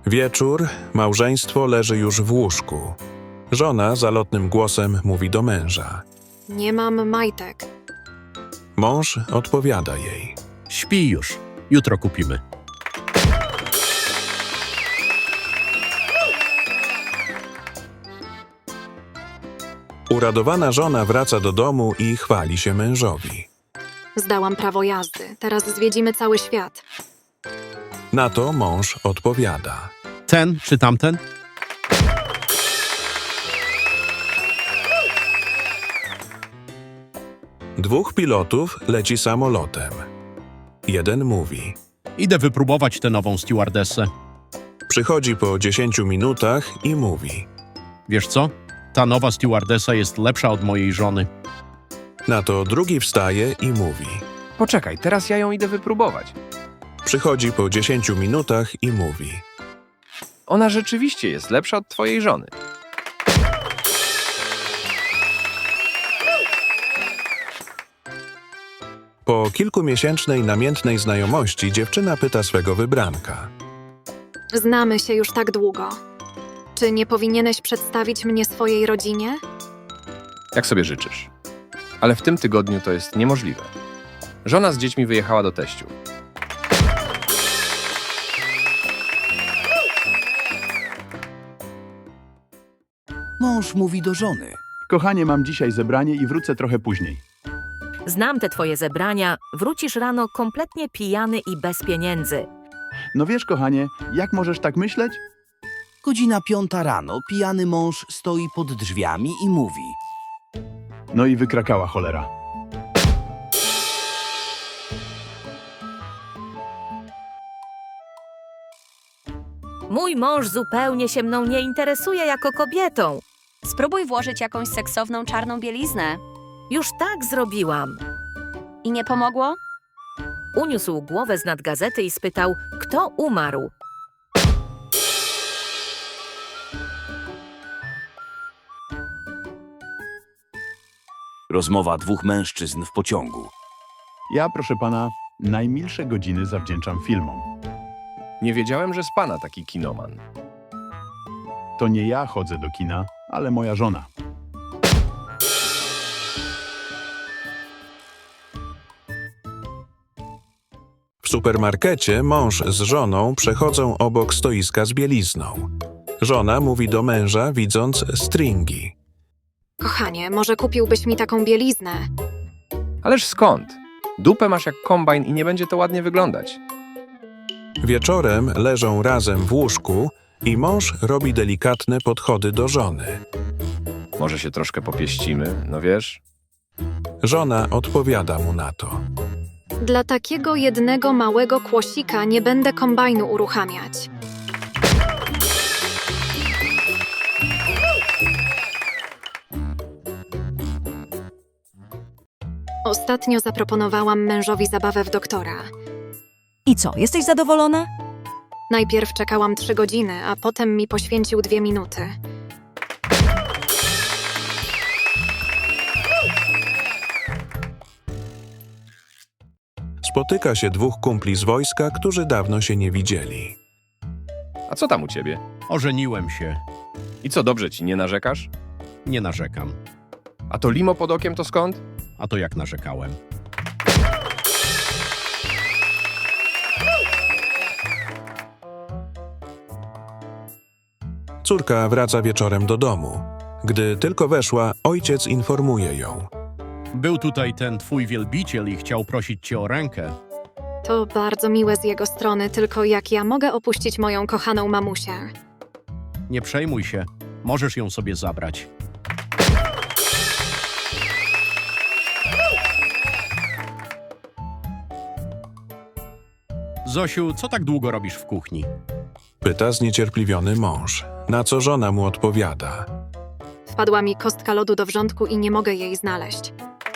Wieczór, małżeństwo leży już w łóżku. Żona zalotnym głosem mówi do męża. Nie mam majtek. Mąż odpowiada jej. Śpi już. Jutro kupimy. Uradowana żona wraca do domu i chwali się mężowi. Zdałam prawo jazdy. Teraz zwiedzimy cały świat. Na to mąż odpowiada. Ten czy tamten? Dwóch pilotów leci samolotem. Jeden mówi. Idę wypróbować tę nową stewardessę. Przychodzi po 10 minutach i mówi. Wiesz co? Ta nowa stewardessa jest lepsza od mojej żony. Na to drugi wstaje i mówi. Poczekaj, teraz ja ją idę wypróbować. Przychodzi po 10 minutach i mówi. Ona rzeczywiście jest lepsza od twojej żony. Po kilkumiesięcznej namiętnej znajomości dziewczyna pyta swego wybranka. Znamy się już tak długo. Czy nie powinieneś przedstawić mnie swojej rodzinie? Jak sobie życzysz. Ale w tym tygodniu to jest niemożliwe. Żona z dziećmi wyjechała do teściu. Mąż mówi do żony. Kochanie, mam dzisiaj zebranie i wrócę trochę później. Znam te twoje zebrania, wrócisz rano kompletnie pijany i bez pieniędzy. No wiesz, kochanie, jak możesz tak myśleć? Godzina 5 rano, pijany mąż stoi pod drzwiami i mówi. No i wykrakała cholera. Mój mąż zupełnie się mną nie interesuje jako kobietą. Spróbuj włożyć jakąś seksowną czarną bieliznę. Już tak zrobiłam. I nie pomogło? Uniósł głowę z nad gazety i spytał, kto umarł. Rozmowa dwóch mężczyzn w pociągu. Ja, proszę pana, najmilsze godziny zawdzięczam filmom. Nie wiedziałem, że z pana taki kinoman. To nie ja chodzę do kina, ale moja żona. W supermarkecie mąż z żoną przechodzą obok stoiska z bielizną. Żona mówi do męża, widząc stringi. Kochanie, może kupiłbyś mi taką bieliznę? Ależ skąd? Dupę masz jak kombajn i nie będzie to ładnie wyglądać. Wieczorem leżą razem w łóżku i mąż robi delikatne podchody do żony. Może się troszkę popieścimy, no wiesz? Żona odpowiada mu na to. Dla takiego jednego małego kłosika nie będę kombajnu uruchamiać. Ostatnio zaproponowałam mężowi zabawę w doktora. I co, jesteś zadowolona? Najpierw czekałam 3 godziny, a potem mi poświęcił 2 minuty. Spotyka się dwóch kumpli z wojska, którzy dawno się nie widzieli. A co tam u ciebie? Ożeniłem się. I co, dobrze ci, nie narzekasz? Nie narzekam. A to limo pod okiem to skąd? A to jak narzekałem? Córka wraca wieczorem do domu. Gdy tylko weszła, ojciec informuje ją. Był tutaj ten twój wielbiciel i chciał prosić cię o rękę. To bardzo miłe z jego strony, tylko jak ja mogę opuścić moją kochaną mamusię? Nie przejmuj się. Możesz ją sobie zabrać. Zosiu, co tak długo robisz w kuchni? Pyta zniecierpliwiony mąż, na co żona mu odpowiada. Wpadła mi kostka lodu do wrzątku i nie mogę jej znaleźć.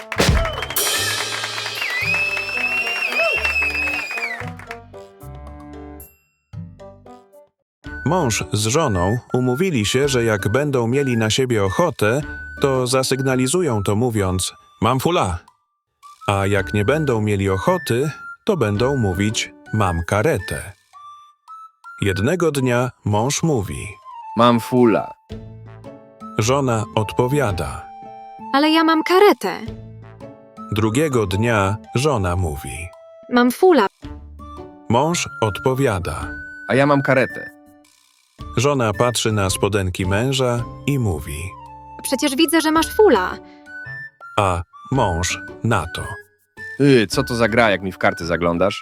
Mąż z żoną umówili się, że jak będą mieli na siebie ochotę, to zasygnalizują to mówiąc mam fula. A jak nie będą mieli ochoty, to będą mówić mam karetę. Jednego dnia mąż mówi. Mam fula. Żona odpowiada. Ale ja mam karetę. Drugiego dnia żona mówi. Mam fula. Mąż odpowiada. A ja mam karetę. Żona patrzy na spodenki męża i mówi. Przecież widzę, że masz fula. A mąż na to. Co to za gra, jak mi w karty zaglądasz?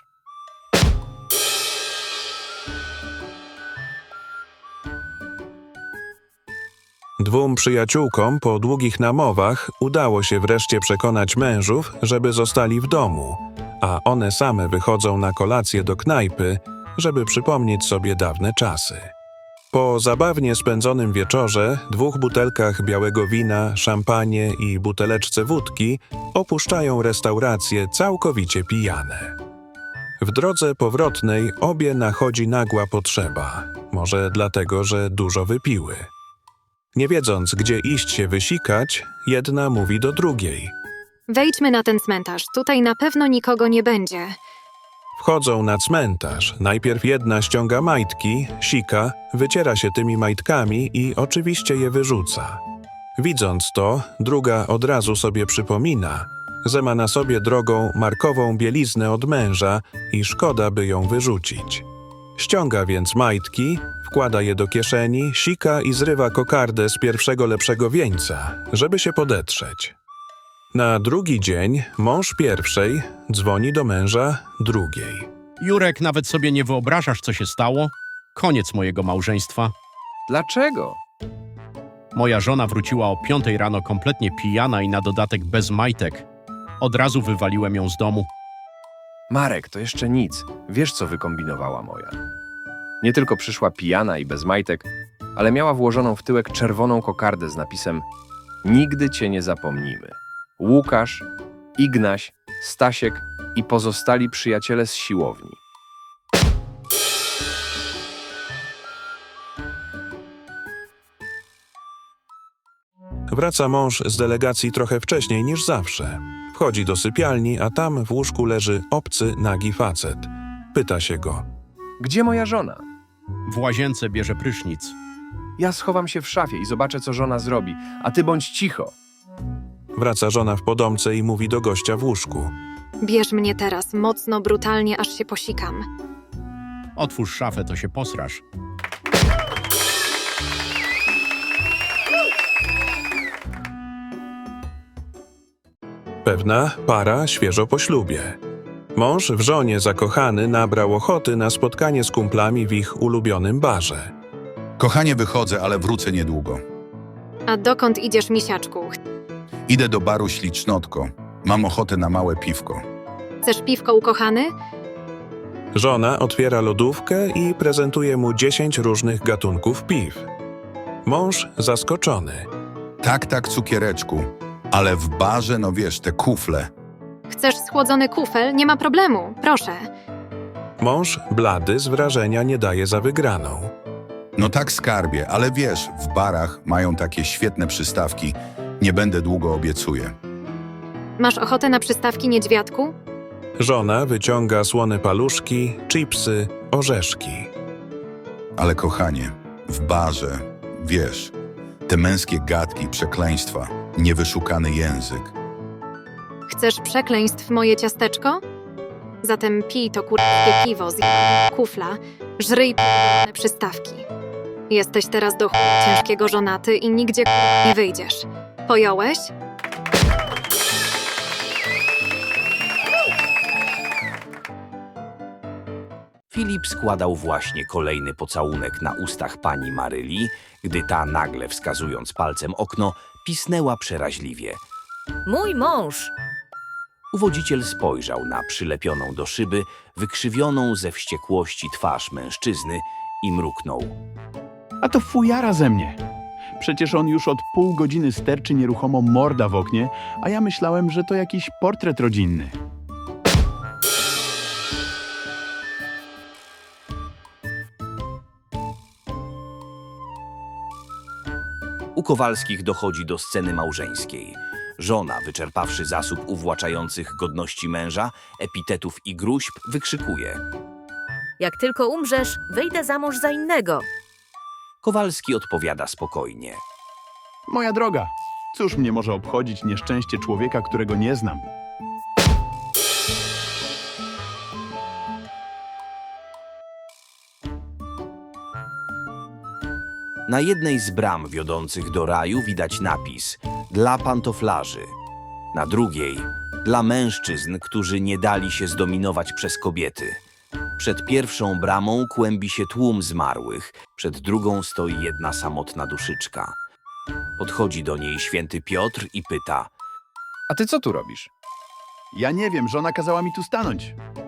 Dwóm przyjaciółkom po długich namowach udało się wreszcie przekonać mężów, żeby zostali w domu, a one same wychodzą na kolację do knajpy, żeby przypomnieć sobie dawne czasy. Po zabawnie spędzonym wieczorze, 2 butelkach białego wina, szampanie i buteleczce wódki opuszczają restaurację całkowicie pijane. W drodze powrotnej obie nachodzi nagła potrzeba, może dlatego, że dużo wypiły. Nie wiedząc, gdzie iść się wysikać, jedna mówi do drugiej. Wejdźmy na ten cmentarz. Tutaj na pewno nikogo nie będzie. Wchodzą na cmentarz. Najpierw jedna ściąga majtki, sika, wyciera się tymi majtkami i oczywiście je wyrzuca. Widząc to, druga od razu sobie przypomina, że ma na sobie drogą markową bieliznę od męża i szkoda, by ją wyrzucić. Ściąga więc majtki, wkłada je do kieszeni, sika i zrywa kokardę z pierwszego lepszego wieńca, żeby się podetrzeć. Na drugi dzień mąż pierwszej dzwoni do męża drugiej. Jurek, nawet sobie nie wyobrażasz, co się stało? Koniec mojego małżeństwa. Dlaczego? Moja żona wróciła o 5 rano kompletnie pijana i na dodatek bez majtek. Od razu wywaliłem ją z domu. Marek, to jeszcze nic. Wiesz, co wykombinowała moja. Nie tylko przyszła pijana i bez majtek, ale miała włożoną w tyłek czerwoną kokardę z napisem Nigdy cię nie zapomnimy. Łukasz, Ignaś, Stasiek i pozostali przyjaciele z siłowni. Wraca mąż z delegacji trochę wcześniej niż zawsze. Wchodzi do sypialni, a tam w łóżku leży obcy, nagi facet. Pyta się go. Gdzie moja żona? W łazience bierze prysznic. Ja schowam się w szafie i zobaczę, co żona zrobi, a ty bądź cicho. Wraca żona w podomce i mówi do gościa w łóżku. Bierz mnie teraz, mocno, brutalnie, aż się posikam. Otwórz szafę, to się posrasz. Pewna para świeżo po ślubie. Mąż w żonie zakochany nabrał ochoty na spotkanie z kumplami w ich ulubionym barze. Kochanie, wychodzę, ale wrócę niedługo. A dokąd idziesz, misiaczku? Idę do baru Ślicznotko. Mam ochotę na małe piwko. Chcesz piwko, ukochany? Żona otwiera lodówkę i prezentuje mu 10 różnych gatunków piw. Mąż zaskoczony. Tak, cukiereczku. Ale w barze, no wiesz, te kufle. Chcesz schłodzony kufel? Nie ma problemu, proszę. Mąż blady z wrażenia nie daje za wygraną. No tak, skarbie, ale wiesz, w barach mają takie świetne przystawki. Nie będę długo, obiecuję. Masz ochotę na przystawki, niedźwiadku? Żona wyciąga słone paluszki, chipsy, orzeszki. Ale kochanie, w barze, wiesz, te męskie gadki, przekleństwa, niewyszukany język. Chcesz przekleństw, moje ciasteczko? Zatem pij to kurwskie piwo z jednego kufla, żryj pierdolone przystawki. Jesteś teraz do chuja ciężkiego żonaty i nigdzie nie wyjdziesz. Pojąłeś? Filip składał właśnie kolejny pocałunek na ustach pani Maryli, gdy ta nagle, wskazując palcem okno, pisnęła przeraźliwie. Mój mąż! Uwodziciel spojrzał na przylepioną do szyby, wykrzywioną ze wściekłości twarz mężczyzny i mruknął. A to fujara ze mnie. Przecież on już od pół godziny sterczy nieruchomo morda w oknie, a ja myślałem, że to jakiś portret rodzinny. U Kowalskich dochodzi do sceny małżeńskiej. Żona, wyczerpawszy zasób uwłaczających godności męża, epitetów i gróźb, wykrzykuje. Jak tylko umrzesz, wyjdę za mąż za innego. Kowalski odpowiada spokojnie. Moja droga, cóż mnie może obchodzić nieszczęście człowieka, którego nie znam? Na jednej z bram wiodących do raju widać napis dla pantoflarzy. Na drugiej dla mężczyzn, którzy nie dali się zdominować przez kobiety. Przed pierwszą bramą kłębi się tłum zmarłych, przed drugą stoi jedna samotna duszyczka. Podchodzi do niej święty Piotr i pyta: A ty co tu robisz? Ja nie wiem, żona kazała mi tu stanąć.